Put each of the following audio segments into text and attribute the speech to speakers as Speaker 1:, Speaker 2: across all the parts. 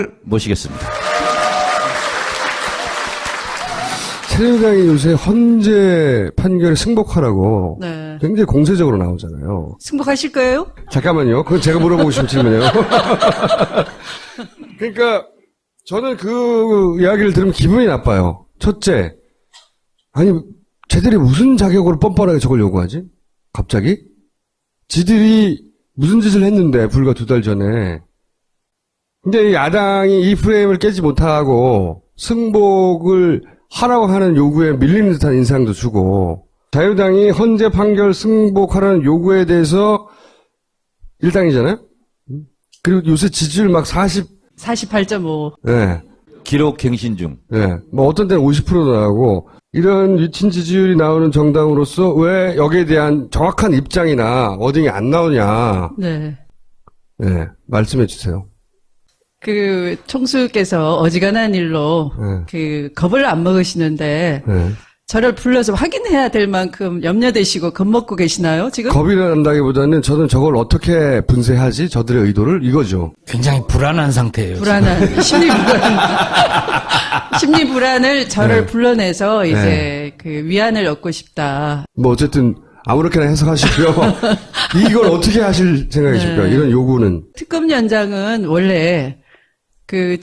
Speaker 1: 모시겠습니다.
Speaker 2: 새누리당이 요새 헌재 판결에 승복하라고
Speaker 3: 네.
Speaker 2: 굉장히 공세적으로 나오잖아요.
Speaker 3: 승복하실 거예요?
Speaker 2: 잠깐만요. 그건 제가 물어보고 싶은 질문이에요. 그러니까 저는 그 이야기를 들으면 기분이 나빠요. 첫째, 아니 쟤들이 무슨 자격으로 뻔뻔하게 저걸 요구하지? 갑자기? 지들이 무슨 짓을 했는데 불과 2달 전에. 근데 야당이 이 프레임을 깨지 못하고 승복을 하라고 하는 요구에 밀리는 듯한 인상도 주고, 자유당이 헌재 판결 승복하라는 요구에 대해서 일당이잖아요? 그리고 요새 지지율 막
Speaker 3: 48.5.
Speaker 2: 네.
Speaker 1: 기록 갱신 중.
Speaker 2: 네. 뭐 어떤 때는 50%도 나오고, 이런 위친 지지율이 나오는 정당으로서 왜 여기에 대한 정확한 입장이나 워딩이 안 나오냐.
Speaker 3: 네.
Speaker 2: 네. 말씀해 주세요.
Speaker 3: 그 총수께서 어지간한 일로 겁을 안 먹으시는데
Speaker 2: 네.
Speaker 3: 저를 불러서 확인해야 될 만큼 염려되시고 겁먹고 계시나요, 지금?
Speaker 2: 겁이 난다기보다는 저는 저걸 어떻게 분쇄하지? 저들의 의도를 이거죠.
Speaker 4: 굉장히 불안한 상태예요.
Speaker 3: 불안한 심리 불안을 저를 불러내서 이제 그 위안을 얻고 싶다.
Speaker 2: 뭐 어쨌든 아무렇게나 해석하시고요. 이걸 어떻게 하실 생각이십니까? 이런 요구는.
Speaker 3: 특검 연장은 원래 그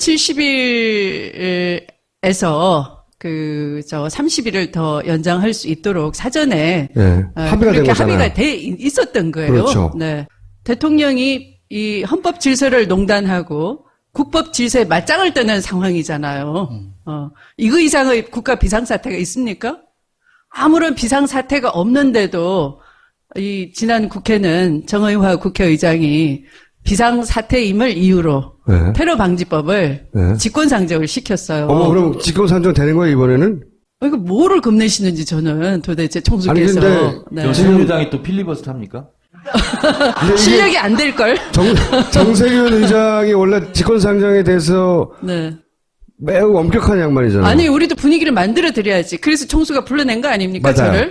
Speaker 3: 70일에서 30일을 더 연장할 수 있도록 사전에
Speaker 2: 합의가 된
Speaker 3: 그렇게
Speaker 2: 거잖아요.
Speaker 3: 합의가 돼 있었던 거예요.
Speaker 2: 그렇죠.
Speaker 3: 네. 대통령이 이 헌법 질서를 농단하고 국법 질서에 맞짱을 뜨는 상황이잖아요. 이거 이상의 국가 비상사태가 있습니까? 아무런 비상사태가 없는데도 이 지난 국회는 정의화 국회의장이 비상사태임을 이유로 테러 방지법을 직권상정을 시켰어요.
Speaker 2: 그럼 직권상정 되는 거예요, 이번에는?
Speaker 3: 이거 뭐를 겁내시는지 저는 도대체 총수께서.
Speaker 2: 아니, 근데
Speaker 1: 그럼 새누리당이 또 필리버스터 합니까?
Speaker 3: 실력이 안 될걸?
Speaker 2: 정세균 의장이 원래 직권상정에 대해서 매우 엄격한 양반이잖아요.
Speaker 3: 아니, 우리도 분위기를 만들어 드려야지. 그래서 총수가 불러낸 거 아닙니까,
Speaker 2: 맞아요.
Speaker 3: 저를?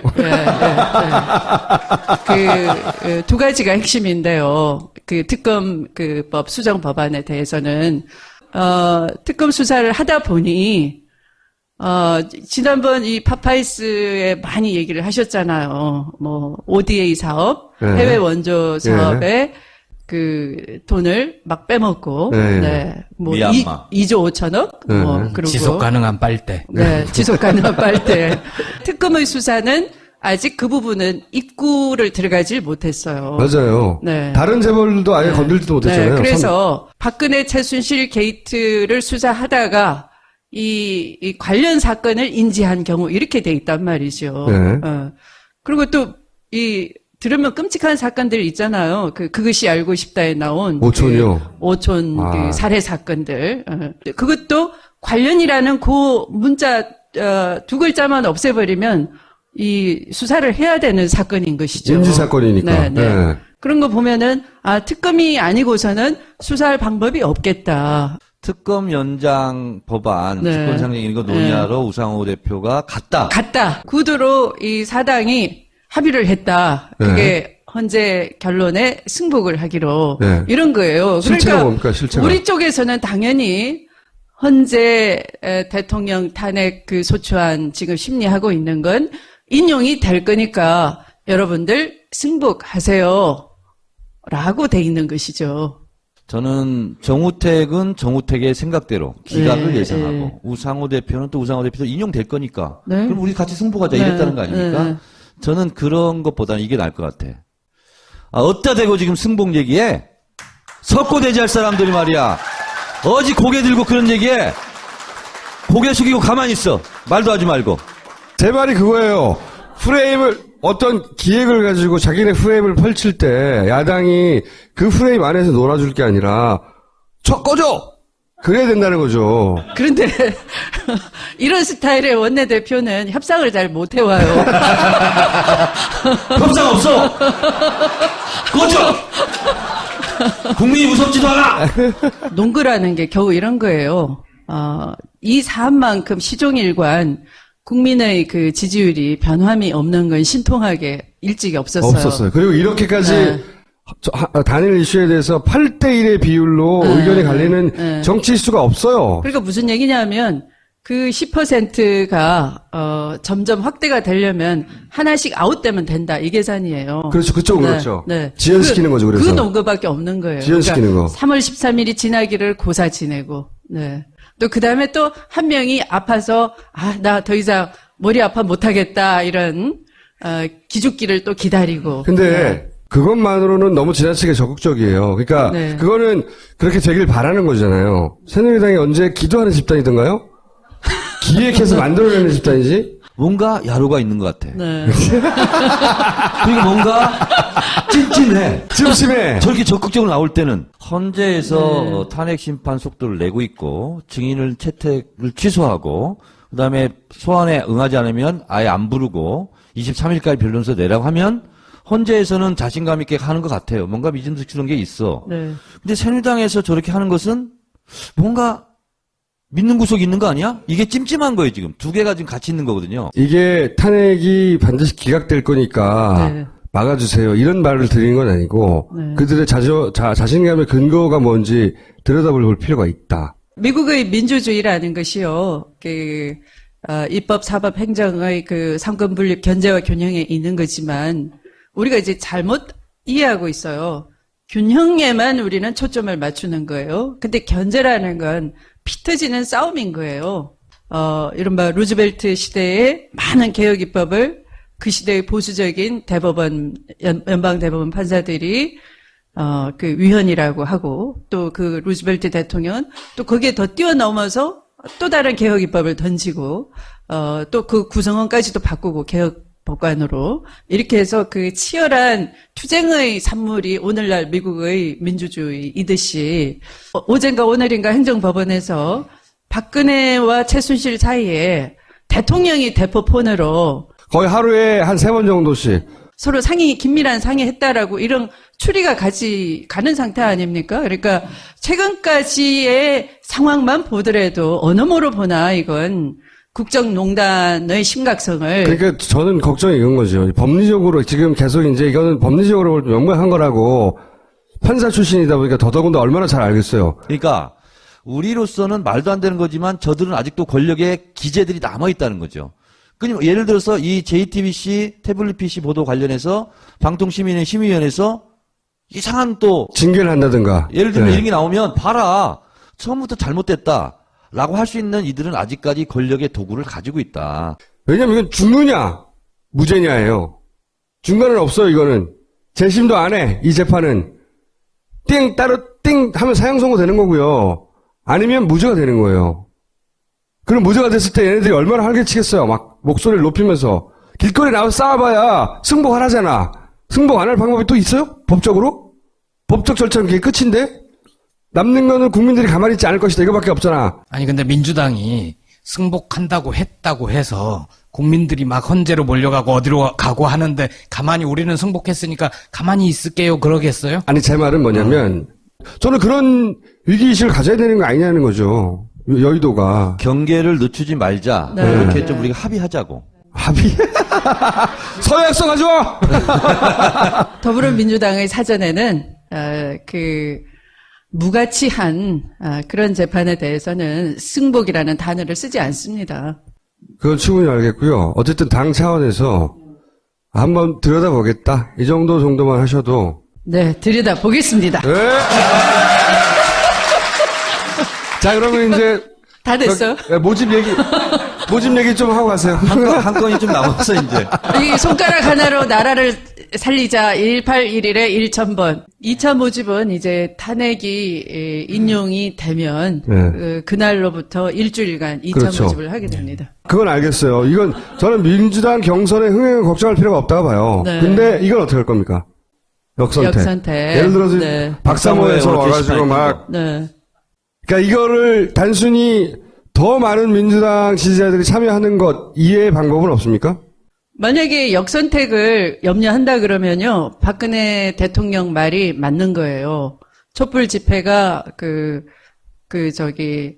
Speaker 3: 그, 2가지가 핵심인데요. 그 특검 법 수정 법안에 대해서는, 특검 수사를 하다 보니, 지난번 이 파파이스에 많이 얘기를 하셨잖아요. 뭐, ODA 사업, 해외 원조 사업에 그 돈을 막 빼먹고, 뭐
Speaker 1: 미얀마.
Speaker 3: 2조 5천억, 그리고
Speaker 4: 지속 가능한 빨대.
Speaker 3: 지속 가능한 빨대. 특검의 수사는 아직 그 부분은 입구를 들어가질 못했어요.
Speaker 2: 맞아요. 다른 재벌도 아예 건들지도 못했잖아요.
Speaker 3: 그래서 박근혜 최순실 게이트를 수사하다가 이 관련 사건을 인지한 경우 이렇게 돼 있단 말이죠. 그리고 또 들으면 끔찍한 사건들 있잖아요. 그것이 알고 싶다에 나온
Speaker 2: 오촌이요.
Speaker 3: 오촌 그 살해 사건들. 그것도 관련이라는 그 문자 2글자만 없애버리면 이 수사를 해야 되는 사건인 것이죠.
Speaker 2: 인지 사건이니까.
Speaker 3: 그런 거 보면은 특검이 아니고서는 수사할 방법이 없겠다.
Speaker 1: 특검 연장 법안, 직권상정 이거 논의하러 우상호 대표가 갔다.
Speaker 3: 구두로 이 사당이 합의를 했다. 그게 헌재 결론에 승복을 하기로 이런 거예요.
Speaker 2: 실체가 뭡니까, 실체가?
Speaker 3: 우리 쪽에서는 당연히 헌재 대통령 탄핵 소추안 지금 심리하고 있는 건 인용이 될 거니까 여러분들 승복하세요. 라고 돼 있는 것이죠.
Speaker 1: 저는 정우택은 정우택의 생각대로 기각을 예상하고 우상호 대표는 또 우상호 대표도 인용될 거니까 그럼 우리 같이 승복하자 이랬다는 거 아닙니까? 저는 그런 것보다는 이게 나을 것 같아. 어디다 대고 지금 승복 얘기해? 석고대지할 사람들이 말이야. 어지 고개 들고 그런 얘기해. 고개 숙이고 가만히 있어. 말도 하지 말고.
Speaker 2: 제 말이 그거예요. 어떤 기획을 가지고 자기네 프레임을 펼칠 때 야당이 그 프레임 안에서 놀아줄 게 아니라 꺼져! 그래야 된다는 거죠.
Speaker 3: 그런데 이런 스타일의 원내대표는 협상을 잘 못 해와요.
Speaker 1: 협상 없어! 꺼져! 국민이 무섭지도 않아!
Speaker 3: 농구라는 게 겨우 이런 거예요. 이 사안만큼 시종일관 국민의 지지율이 변함이 없는 건 신통하게 일찍이 없었어요.
Speaker 2: 그리고 이렇게까지 단일 이슈에 대해서 8대1의 비율로 의견이 갈리는 정치 이슈가 없어요.
Speaker 3: 그러니까 무슨 얘기냐면 그 10%가 점점 확대가 되려면 하나씩 아웃되면 된다 이 계산이에요.
Speaker 2: 그렇죠. 그쪽은
Speaker 3: 네,
Speaker 2: 그렇죠.
Speaker 3: 네.
Speaker 2: 지연시키는 거죠. 그래서
Speaker 3: 그 논거밖에 없는 거예요.
Speaker 2: 지연시키는
Speaker 3: 그러니까
Speaker 2: 거.
Speaker 3: 3월 13일이 지나기를 고사 지내고, 네. 또 그 다음에 또 한 명이 아파서 나 더 이상 머리 아파 못하겠다 이런 기죽기를 또 기다리고.
Speaker 2: 근데
Speaker 3: 네.
Speaker 2: 그것만으로는 너무 지나치게 적극적이에요. 그러니까
Speaker 3: 네.
Speaker 2: 그거는 그렇게 되길 바라는 거잖아요. 새누리당이 언제 기도하는 집단이던가요? 기획해서 만들어내는 집단이지?
Speaker 1: 뭔가 야로가 있는 것 같아.
Speaker 3: 네.
Speaker 1: 그리고 뭔가 찜찜해.
Speaker 2: 찜찜해.
Speaker 1: 저렇게 적극적으로 나올 때는 헌재에서 탄핵 심판 속도를 내고 있고 증인을 채택을 취소하고 그다음에 소환에 응하지 않으면 아예 안 부르고 23일까지 변론서 내라고 하면 헌재에서는 자신감 있게 하는 것 같아요. 뭔가 믿음직스러운 게 있어.
Speaker 3: 네.
Speaker 1: 근데 새누리당에서 저렇게 하는 것은 뭔가 믿는 구석이 있는 거 아니야? 이게 찜찜한 거예요, 지금. 두 개가 지금 같이 있는 거거든요.
Speaker 2: 이게 탄핵이 반드시 기각될 거니까
Speaker 3: 네.
Speaker 2: 막아주세요. 이런 말을 드리는 건 아니고
Speaker 3: 네.
Speaker 2: 그들의 자신감의 근거가 뭔지 들여다볼 필요가 있다.
Speaker 3: 미국의 민주주의라는 것이요, 입법, 사법, 행정의 그 상권 분립, 견제와 균형에 있는 거지만, 우리가 이제 잘못 이해하고 있어요. 균형에만 우리는 초점을 맞추는 거예요. 근데 견제라는 건 피 터지는 싸움인 거예요. 이른바 루즈벨트 시대의 많은 개혁 입법을 그 시대의 보수적인 대법원, 연방대법원 판사들이 그 위헌이라고 하고, 또 그 루즈벨트 대통령은 또 거기에 더 뛰어넘어서 또 다른 개혁 입법을 던지고, 또 그 구성원까지도 바꾸고 개혁 법관으로 이렇게 해서 그 치열한 투쟁의 산물이 오늘날 미국의 민주주의이듯이 어젠가 오늘인가 행정법원에서 박근혜와 최순실 사이에 대통령이 대포폰으로
Speaker 2: 거의 하루에 한 3번 정도씩.
Speaker 3: 서로 긴밀한 상의했다라고 이런 추리가 가는 상태 아닙니까? 그러니까 최근까지의 상황만 보더라도 어느 모로 보나 이건 국정농단의 심각성을.
Speaker 2: 그러니까 저는 걱정이 이런 거죠. 법리적으로 지금 계속 이제 이거는 법리적으로 명백한 거라고 판사 출신이다 보니까 더더군다나 얼마나 잘 알겠어요.
Speaker 1: 그러니까 우리로서는 말도 안 되는 거지만 저들은 아직도 권력의 기재들이 남아있다는 거죠. 그러니까 예를 들어서 이 JTBC 태블릿 PC 보도 관련해서 방통시민의 심의위원회에서 이상한 또
Speaker 2: 징계를 한다든가.
Speaker 1: 예를 들면
Speaker 2: 네.
Speaker 1: 이런 게 나오면 봐라 처음부터 잘못됐다 라고 할 수 있는 이들은 아직까지 권력의 도구를 가지고 있다.
Speaker 2: 왜냐면 이건 죽느냐 무죄냐예요. 중간은 없어요. 이거는 재심도 안 해. 이 재판은 띵 따로 띵 하면 사형 선고 되는 거고요. 아니면 무죄가 되는 거예요. 그럼 무죄가 됐을 때 얘네들이 얼마나 활개치겠어요. 막 목소리를 높이면서 길거리에 나와서 싸워봐야 승복 안 하잖아. 승복 안 할 방법이 또 있어요? 법적으로? 법적 절차는 그게 끝인데? 남는 거는 국민들이 가만히 있지 않을 것이다. 이거밖에 없잖아.
Speaker 4: 아니 근데 민주당이 승복한다고 했다고 해서 국민들이 막 헌재로 몰려가고 어디로 가고 하는데 가만히 우리는 승복했으니까 가만히 있을게요 그러겠어요?
Speaker 2: 아니 제 말은 뭐냐면 저는 그런 위기의식을 가져야 되는 거 아니냐는 거죠. 여의도가.
Speaker 1: 경계를 늦추지 말자.
Speaker 3: 네.
Speaker 1: 이렇게
Speaker 3: 네.
Speaker 1: 좀 우리가 합의하자고.
Speaker 2: 합의? 서약서 가져와!
Speaker 3: 더불어민주당의 사전에는 무가치한 그런 재판에 대해서는 승복이라는 단어를 쓰지 않습니다.
Speaker 2: 그건 충분히 알겠고요. 어쨌든 당 차원에서 한번 들여다보겠다. 이 정도만 하셔도.
Speaker 3: 네, 들여다보겠습니다.
Speaker 2: 네. 자, 그러면 이제.
Speaker 3: 다 됐어.
Speaker 2: 모집 얘기 좀 하고 가세요.
Speaker 1: 한 건이 좀 남았어 이제.
Speaker 3: 이 손가락 하나로 나라를 살리자 1811에 1000번. 2차 모집은 이제 탄핵이 인용이 되면
Speaker 2: 네.
Speaker 3: 그날로부터 일주일간 2차
Speaker 2: 그렇죠.
Speaker 3: 모집을 하게 됩니다.
Speaker 2: 그건 알겠어요. 이건 저는 민주당 경선의 흥행을 걱정할 필요가 없다고 봐요.
Speaker 3: 네.
Speaker 2: 근데 이건 어떻게 할 겁니까? 역선택. 예를 들어서
Speaker 3: 네.
Speaker 2: 박사모에서 와가지고 막.
Speaker 3: 네.
Speaker 2: 그러니까 이거를 단순히 더 많은 민주당 지지자들이 참여하는 것 이외의 방법은 없습니까?
Speaker 3: 만약에 역선택을 염려한다 그러면요, 박근혜 대통령 말이 맞는 거예요. 촛불 집회가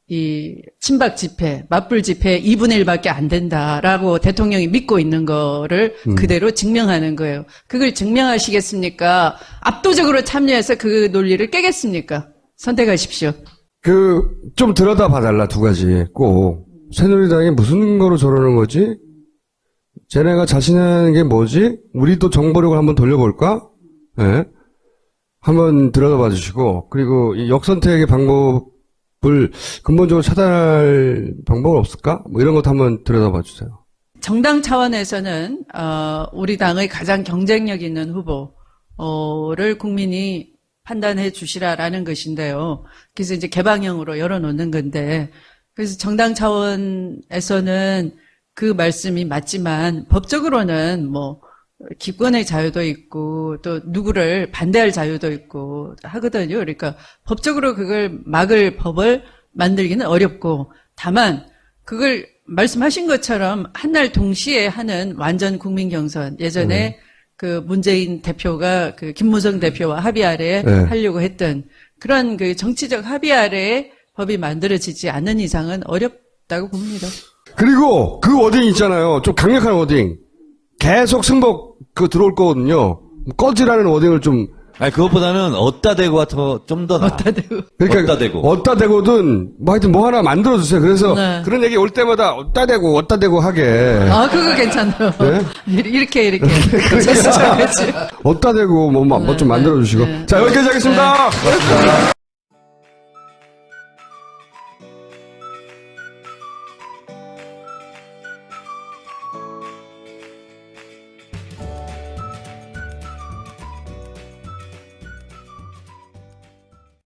Speaker 3: 이 친박 집회, 맞불 집회 2분의 1밖에 안 된다라고 대통령이 믿고 있는 거를 그대로 증명하는 거예요. 그걸 증명하시겠습니까? 압도적으로 참여해서 그 논리를 깨겠습니까? 선택하십시오.
Speaker 2: 좀 들여다 봐달라, 두 가지. 꼭. 새누리당이 무슨 거로 저러는 거지? 쟤네가 자신하는 게 뭐지? 우리도 정보력을 한번 돌려볼까? 예. 네. 한번 들여다봐 주시고, 그리고 이 역선택의 방법을 근본적으로 차단할 방법은 없을까? 뭐 이런 것도 한번 들여다봐 주세요.
Speaker 3: 정당 차원에서는, 우리 당의 가장 경쟁력 있는 후보를 국민이 판단해 주시라라는 것인데요. 그래서 이제 개방형으로 열어놓는 건데, 그래서 정당 차원에서는 그 말씀이 맞지만, 법적으로는 뭐, 기권의 자유도 있고 또 누구를 반대할 자유도 있고 하거든요. 그러니까 법적으로 그걸 막을 법을 만들기는 어렵고 다만 그걸 말씀하신 것처럼 한날 동시에 하는 완전 국민 경선 예전에 그 문재인 대표가 그 김무성 대표와 합의 아래에 하려고 했던 그런 그 정치적 합의 아래에 법이 만들어지지 않는 이상은 어렵다고 봅니다.
Speaker 2: 그리고 그 워딩 있잖아요. 좀 강력한 워딩. 계속 승복 들어올 거거든요. 꺼지라는 워딩을 좀.
Speaker 1: 아니 그것보다는 어따 대고가 좀 더 나아.
Speaker 3: 어따 대고.
Speaker 2: 그러니까 어따 대고든 뭐 하여튼 뭐 하나 만들어 주세요. 그래서
Speaker 3: 네.
Speaker 2: 그런 얘기 올 때마다 어따 대고 하게.
Speaker 3: 아 그거 괜찮아요.
Speaker 2: 네?
Speaker 3: 이렇게.
Speaker 2: 어따 대고 뭐 좀 만들어 주시고. 자 여기까지 하겠습니다.